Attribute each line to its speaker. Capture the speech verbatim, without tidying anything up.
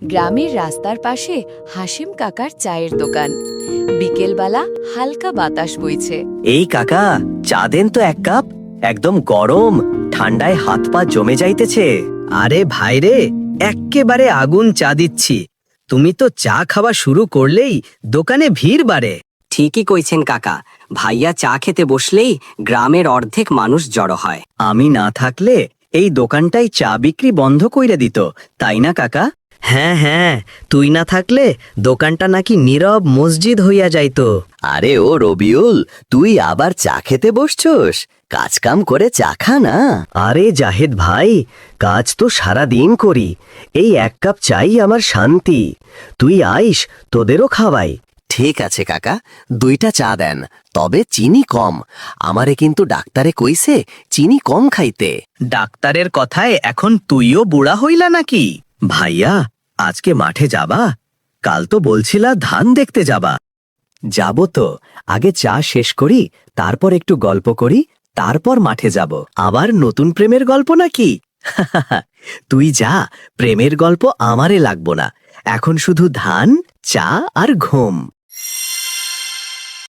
Speaker 1: গ্রামের রাস্তার পাশে হাসিম কাকার চায়ের দোকান। বিকেলবেলা হালকা বাতাস বইছে।
Speaker 2: এই কাকা, চা দেন তো এক কাপ। একদম গরম, ঠান্ডায় হাত পা জমে যাইতেছে।
Speaker 3: আরে ভাইরে, এক্কেবারে আগুন চা দিচ্ছি। তুমি তো চা খাওয়া শুরু করলেই দোকানে ভিড় বাড়ে।
Speaker 4: ঠিকই কইছেন কাকা, ভাইয়া চা খেতে বসলেই গ্রামের অর্ধেক মানুষ জড়ো হয়।
Speaker 2: আমি না থাকলে এই দোকানটাই চা বিক্রি বন্ধ কইরা দিত, তাই না কাকা?
Speaker 3: হ্যাঁ হ্যাঁ, তুই না থাকলে দোকানটা নাকি নীরব মসজিদ হইয়া যাইতো।
Speaker 5: আরে ও রবিউল, তুই আবার চা খেতে বসছস? কাজকাম করে চা খা না।
Speaker 2: আরে জাহেদ ভাই, কাজ তো সারা দিন করি, এই এক কাপ চাই আমার শান্তি। তুই আইস, তোদেরও খাওয়াই।
Speaker 5: ঠিক আছে কাকা, দুইটা চা দেন, তবে চিনি কম। আমারে কিন্তু ডাক্তারে কইছে চিনি কম খাইতে।
Speaker 3: ডাক্তারের কথায় এখন তুইও বুড়া হইলা নাকি?
Speaker 2: ভাইয়া, আজকে মাঠে যাবা? কাল তো বলছিলা ধান দেখতে যাবা। যাব তো, আগে চা শেষ করি, তারপর একটু গল্প করি, তারপর মাঠে যাব। আবার নতুন প্রেমের গল্প নাকি? তুই যা, প্রেমের গল্প আমারে লাগবো না। এখন শুধু ধান, চা আর ঘুম।